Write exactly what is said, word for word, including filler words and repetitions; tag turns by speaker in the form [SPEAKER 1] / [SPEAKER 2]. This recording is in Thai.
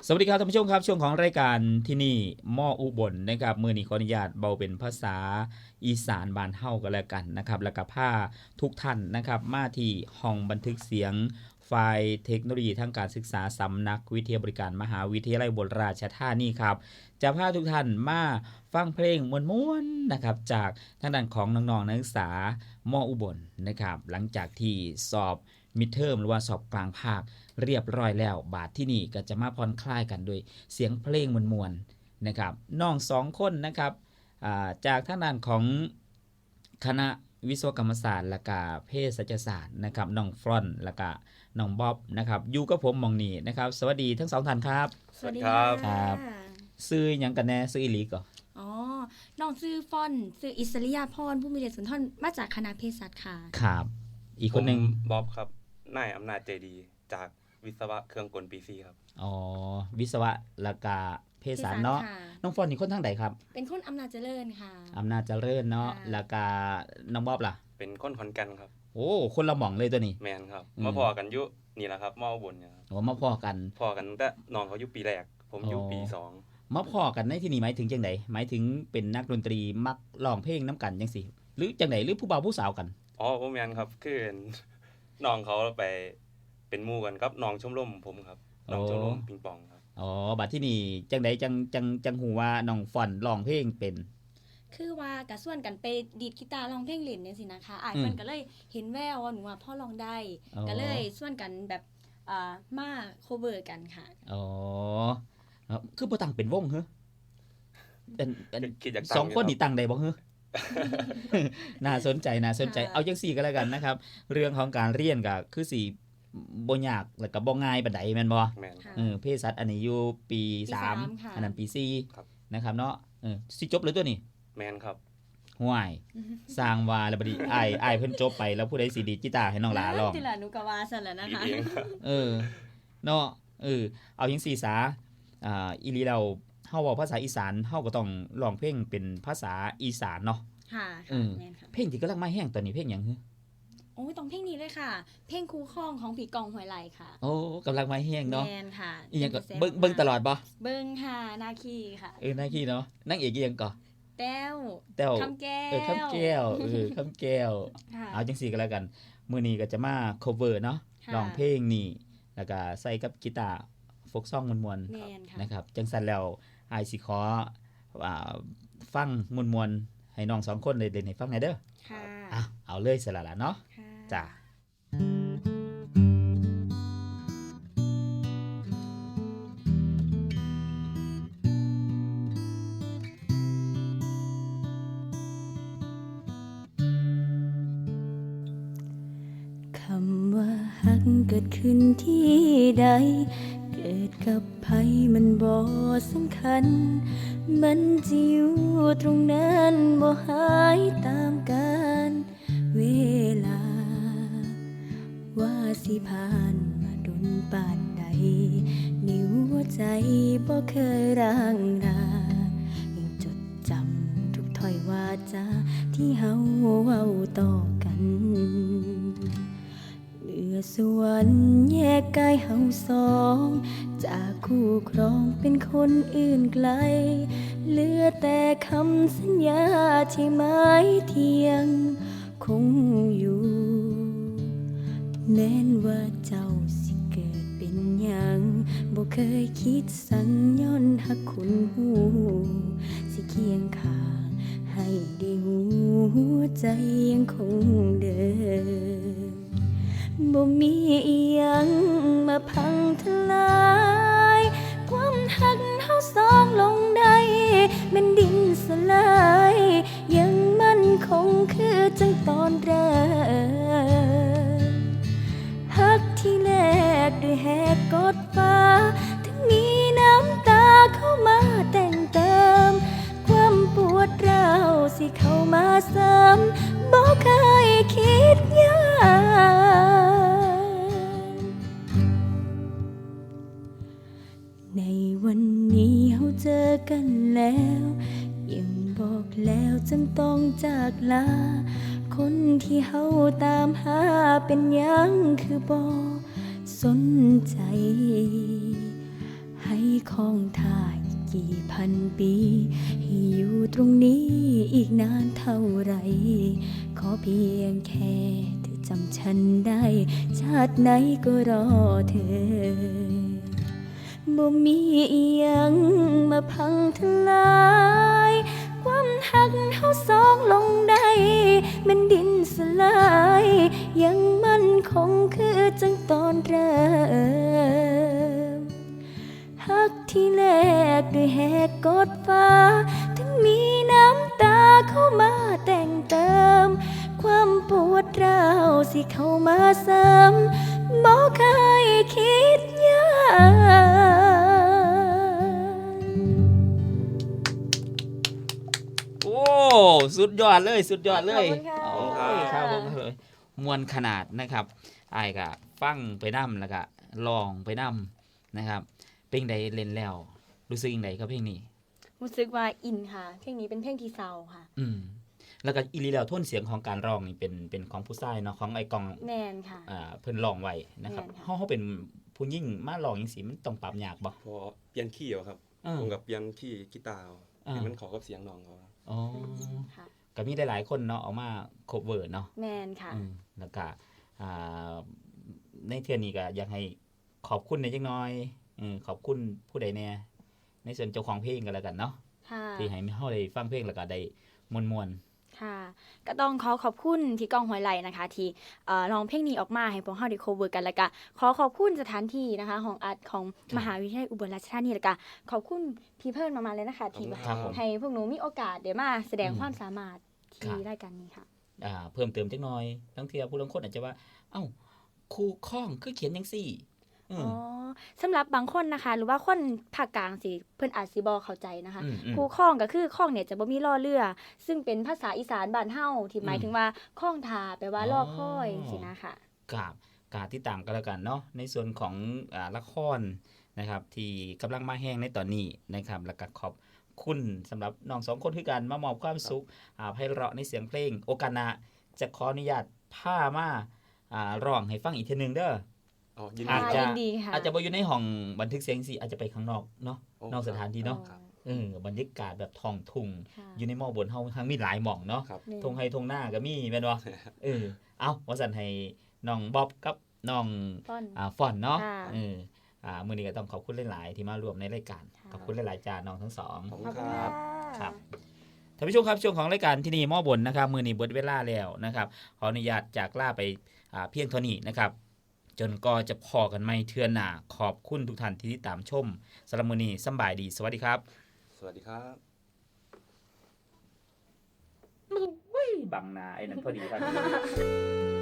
[SPEAKER 1] สวัสดีครับท่านผู้ชมครับช่วงของรายการที่นี่หม้ออุบลนะครับมือนี้ขออนุญาตเบาเป็นภาษาอีสานบ้านเฮากันแล้วกันนะครับแล้วก็พาทุกท่านนะครับมาที่ห้องบันทึกเสียงฝ่ายเทคโนโลยีทางการศึกษาสำนักวิทยาบริการมหาวิทยาลัยอุบลราชธานีครับจะพาทุกท่านมาฟังเพลงม้วนๆนะครับจากทางด้านของน้องๆนักศึกษามออุบลนะครับหลังจากที่สอบมิดเทอมหรือว่าสอบกลางภาคเรียบร้อยแล้วบาทที่นี่ก็จะมาผ่อนคลายกันด้วยเสียงเพลงมวลๆนะครับน้องสองคนนะครับจากทางด้านของคณะวิศวกรรมศาสตร์และก็เภสัชศาสตร์นะครับน้องฟรอนและก็น้องบ๊อบนะครับอยู่กับผมมองนี่นะครับสวัสดีทั้งสองท่านครับ
[SPEAKER 2] สวัสดีครับ
[SPEAKER 1] ครับซื้อหยังกันแน่ซื้ออีหลีก่อ
[SPEAKER 2] อ๋อน้องซื้อฟอนซื้ออิสริยาพรผู้มีเดชสุนทรมาจากคณะเภสัชค่ะ
[SPEAKER 1] ครับอีกคนนึง
[SPEAKER 3] บ๊อบครับนายอำนาจใจดีจากวิศวะเครื่องกลปีซีครับ
[SPEAKER 1] อ๋อวิศวะและก็เภสัชเนาะน้องฟอนนี่คนทางใดครับ
[SPEAKER 2] เป็นคนอำนาจเจริญค่ะ
[SPEAKER 1] อำนาจเจริญเนาะแล้วก็น้องบ๊อบล่ะ
[SPEAKER 3] เป็นคนขอนแก่นครับ
[SPEAKER 1] โอ้คนละหม่องเลยตัวนี้
[SPEAKER 3] แมนครับมาพอกันอยู่นี่แหละครับมออุบลเนี่ยครับ
[SPEAKER 1] โอ้มาพอกัน
[SPEAKER 3] พอกันแต่น้องเขาอยู่ปีแรกผมอยู่ปีสอง
[SPEAKER 1] มาพอกันในที่นี้หมายถึงจังไดหมายถึงเป็นนักดนตรีมักร้องเพลงน้ำกันจังซี่หรือจังไดหรือผู้บ่าวผู้สาวกัน
[SPEAKER 3] อ๋อบ่แม่นครับคือน้องเขาไปเป็นหมู่กันกับน้องชมรมผมครับน้องชมรมปิงปองครับ
[SPEAKER 1] อ๋อบัดที่นี่จังไดจังจังจังฮู้ว่าน้องฟอนร้องเพลงเป็น
[SPEAKER 2] คือว่ากะส่วนกันไปดีดกีตาร์ร้องเพลงเล่นจังซี่นะคะอ้ายเพิ่นก็เลยเห็นแววว่าหนูว่าพ่อร้องได้ก็เลยส่วนกันแบบอ่ามาโคเวอร์กันค่ะ
[SPEAKER 1] อ๋อคือบ่ตั้งเป็นวงเหรอสองคนนี่ตั้งได้บ่เหรอน่าสนใจน่าสนใจเอาจังซี่ก็แล้วกันนะครับเรื่องของการเรียนก็คือสิบ่ยากแล้วก็บ่ง่ายปานใดแม่นบ่เออเภสัชอันนี้อยู่ปีสามอันนั้นปีสี่นะครับเนาะเออสิจบเลยตัวนี้
[SPEAKER 3] แม่นครับ
[SPEAKER 1] ห่วยสร้างว่าแล้วบัดนี้อ้ายอ้ายเพิ่นจบไปแล้วผู้ใดสิดีดกีตาร์ให้น้องหลาร้อง
[SPEAKER 2] ติล่ะหนูก็ว่าซั่นแหละนะคะ
[SPEAKER 1] เออเนาะเออเอาจังซี่ซะอ่าอีหลีแล้วเฮาเว้าภาษาอีสานเฮาก็ต้องร้องเพลงเป็นภาษาอีสานเนาะ
[SPEAKER 2] ค่ะ
[SPEAKER 1] เออเพลงที่กำลังมาแห้งตอนนี้เพลงหยังฮึ
[SPEAKER 2] โอ้ยต้องเพลงนี้เลยค่ะเพลงคู่ข้องของพี่กองห้วยไร่ค่ะ
[SPEAKER 1] โอ้กำลังมาแห้งเนาะ
[SPEAKER 2] แม่นค่ะ
[SPEAKER 1] อีหยังก็เบิ่งเบิ่งตลอดบ่
[SPEAKER 2] เบิ่งค่ะนาคีค่ะ
[SPEAKER 1] เออนาคีเนาะนางเอกอีหยังก่อ
[SPEAKER 2] แต้ว
[SPEAKER 1] แต้ว
[SPEAKER 2] คำแก้ว
[SPEAKER 1] เออคำแก้วเออคำแก้วเอาจังซี่ก็แล้วกันมื้อนี้ก็จะมา cover เนาะร้องเพลงนี่แล้วก็ใส่กับกีตาร์โฟกซองม่วนๆนะครับจังซั่นแล้วอ้ายสิขออ่าฟังม่วนๆให้น้องสองคนได้เล่นให้ฟังหน่อยเด้อ
[SPEAKER 2] ค่ะ
[SPEAKER 1] อ่ะเอาเลยซะล่ะเนาะจ้ะ
[SPEAKER 4] คำว่าฮักเกิดขึ้นที่ใดเกิดกับไผมันบ่สำคัญมันจะอยู่ตรงนั้นบ่หายตามกาลเวลาว่าสิผ่านมาดนปานใดนิ้วใจบ่เคยร่างรายังจดจำทุกถ้อยวาจาที่เฮาเว้าต่อกันเหลือส่วนแยกกายเฮาสองจากคู่ครองเป็นคนอื่นไกลเหลือแต่คำสัญญาที่หมายเที่ยงคงอยู่แม้นว่าเจ้าสิเกิดเป็นหยังบ่เคยคิดสั่งย้อนหักคุณหูสิเคียงข้างให้ได้หูหัวใจยังคงเดิมบ่มีอีหยังมาพังทลายความหักเฮาสองลงได้แม่นดินสลายยังมั่นคงคือจังตอนแรกหักที่แรกด้วยแหกกดฟ้าถึงมีน้ำตาเข้ามาแต่งเติมความปวดร้าวสิเข้ามาเสริมบ่เคยคิดยากในวันนี้เฮาเจอกันแล้วยังบอกแล้วจำต้องจากลาคนที่เฮาตามหาเป็นหยังคือบ่สนใจหให้คองท่าอีกกี่พันปีให้อยู่ตรงนี้อีกนานเท่าไรขอเพียงแค่เธอจำฉันได้ชาติไหนก็รอเธอบ่มีอีหยังมาพังทลายความหักเฮาสองลงได้แมันดินสลายยังมั่นคงคือจังตอนเริ่มหักที่แรกด้วยแหกกดฟ้าถึงมีน้ำตาเข้ามาแต่งเติมความปวดร้าวสิเข้ามาเสริมบ่เคยคิดยาก
[SPEAKER 1] โอ้สุดยอดเลยสุดยอดเลย
[SPEAKER 2] ขอบคุณค่ะ
[SPEAKER 1] โอ้ยครับผมเลยมวนขนาดนะครับอ้ายก็ฟังไปนำแล้วก็ลองไปนำนะครับเพลงใดเล่นแล้วรู้สึกยังไงกับเพลงนี้
[SPEAKER 2] รู้สึกว่าอินค่ะเพลงนี้เป็นเพลงที่เศร้าค่ะ
[SPEAKER 1] อืมแล้วก็อีหลีแล้วโทนเสียงของการร้องนี่เป็นเป็นของผู้ชายเนาะของไอ้กอง
[SPEAKER 2] แมนค่ะ
[SPEAKER 1] อ่าเพิ่นร้องไว้นะครับ
[SPEAKER 2] แม่นค่ะ
[SPEAKER 1] เฮาเฮาเป็นผู้หญิงมาร้องจังซี่มันต้องปรับยากบ่
[SPEAKER 3] พอเปลี่ยนคีย์เอาครับ
[SPEAKER 1] เออ
[SPEAKER 3] ผมกับเปลี่ยนคีย์กีตาร์เอา
[SPEAKER 1] อ่า
[SPEAKER 3] ให้มันเข้ากับเสียงน้องเขา
[SPEAKER 1] อ๋อ
[SPEAKER 2] ค่ะ
[SPEAKER 1] ก็มีหลายๆคนเนาะเอามาโคเวอร์เนาะ
[SPEAKER 2] แมนค่ะ
[SPEAKER 1] อืมแล้วก็อ่าในเทื่อนี้ก็อยากให้ขอบคุณในจักหน่อยอืมขอบคุณผู้ใดแน่ในส่วนเจ้าของเพลงกันแล้วกันเนาะ
[SPEAKER 2] ค่ะ
[SPEAKER 1] ที่ให้เฮาได้ฟังเพลงแล้วก็ได้ม่วน
[SPEAKER 2] ค่ะ ก็ต้องขอขอบคุณที่กองหอยไหลนะคะ ที่เอ่อร้องเพลงนี้ออกมาให้พวกเราได้ cover กันแล้วก็ขอขอบคุณสถานที่นะคะของอาร์ตของมหาวิทยาลัยอุบลราชธานีแล้วก็ขอบคุณพี่เพิ่นมาๆเลยนะคะที่
[SPEAKER 1] ๆครับผม
[SPEAKER 2] ให้พวกหนูมีโอกาสได้มาแสดงความสามารถที่รายการนี้ค่ะ
[SPEAKER 1] อ่าเพิ่มเติมจักหน่อยทั้งเที่ยผู้ลางคนอาจจะว่าเอ้าครูข้องคือเขียนจังซี่อื
[SPEAKER 2] อ๋
[SPEAKER 1] ม
[SPEAKER 2] อสำหรับบางคนนะคะ หรือว่าคนภาคกลางสิเพิ่นอาจสิบ่เข้าใจนะคะ
[SPEAKER 1] อืมอืม
[SPEAKER 2] คูข้องก็คือข้องเนี่ยจะบ่มีล่อเรือ ซึ่งเป็นภาษาอีสานบ้านเฮาที่หมายถึงว่าข้องทาแปลว่า
[SPEAKER 1] อ๋อ
[SPEAKER 2] ล่อคอยสินะคะ
[SPEAKER 1] กับกาที่ต่างกันแล้วกันเนาะในส่วนของอ่าละครนะครับที่กำลังมาแห้งในตอนนี้นะครับแล้วก็ขอบคุณสำหรับน้องสองคนคือกันมามอบความสุขอ่าไพเราะในเสียงเพลงโอกาสหน้าจะขออนุญาตพามาอ่าร้องให้ฟังอีกทีหนึงเด้อ
[SPEAKER 3] อ๋อยิน
[SPEAKER 1] อา
[SPEAKER 3] ดี
[SPEAKER 1] จ
[SPEAKER 3] ค
[SPEAKER 1] จะ
[SPEAKER 3] รับ
[SPEAKER 2] ยินดีค่ะ
[SPEAKER 1] อาจจะบ่อยู่ในห้องบันทึกเสียงสิอาจจะไปข้างนอกเนาะ
[SPEAKER 3] โอ้
[SPEAKER 1] นอกสถานที่เนาะ
[SPEAKER 3] ครับ
[SPEAKER 1] เออบรรยากาศแบบท้องทุ่ง
[SPEAKER 2] ค่ะ
[SPEAKER 1] อยู่ในหม้อบนเฮาทั้งมีหลายหม่องเนาะ
[SPEAKER 3] ครับ
[SPEAKER 2] นี่
[SPEAKER 1] ทงไฮทงหน้าก็มีแม่นบ่เออเอาว่าสั่นให้น้องบ๊อบกับน้อง
[SPEAKER 2] ต้น
[SPEAKER 1] อ่าฟอนเนาะ
[SPEAKER 2] ค่ะ
[SPEAKER 1] เอออ่ามื้อนี้ก็ต้องขอบคุณหลายๆที่มาร่วมในรายการ
[SPEAKER 2] ค่ะ
[SPEAKER 1] ขอบคุณหลายๆจาน้องทั้งสอง
[SPEAKER 3] ขอบ
[SPEAKER 2] ข
[SPEAKER 3] คุ
[SPEAKER 2] อบ
[SPEAKER 3] ณ
[SPEAKER 2] คุณ
[SPEAKER 3] ค
[SPEAKER 2] ค่ะ
[SPEAKER 3] รับ
[SPEAKER 1] ครับท่านผู้ชมครับช่วงของรายการที่นี่หม้อบนนะครับมื้อนี้เบิดเวลาแล้วนะครับขออนุญาตจากลาไปอ่าเพียงเท่านี้นะครับ จนก็จะพอกันไม่เทื่อหน้าขอบคุณทุกท่านที่ติดตามชมสำหรับมื้อนี้สำบายดีสวัสดีครับ
[SPEAKER 3] สวัสดีครับ
[SPEAKER 1] บังหน้าไอ้นั่นพอดีครับ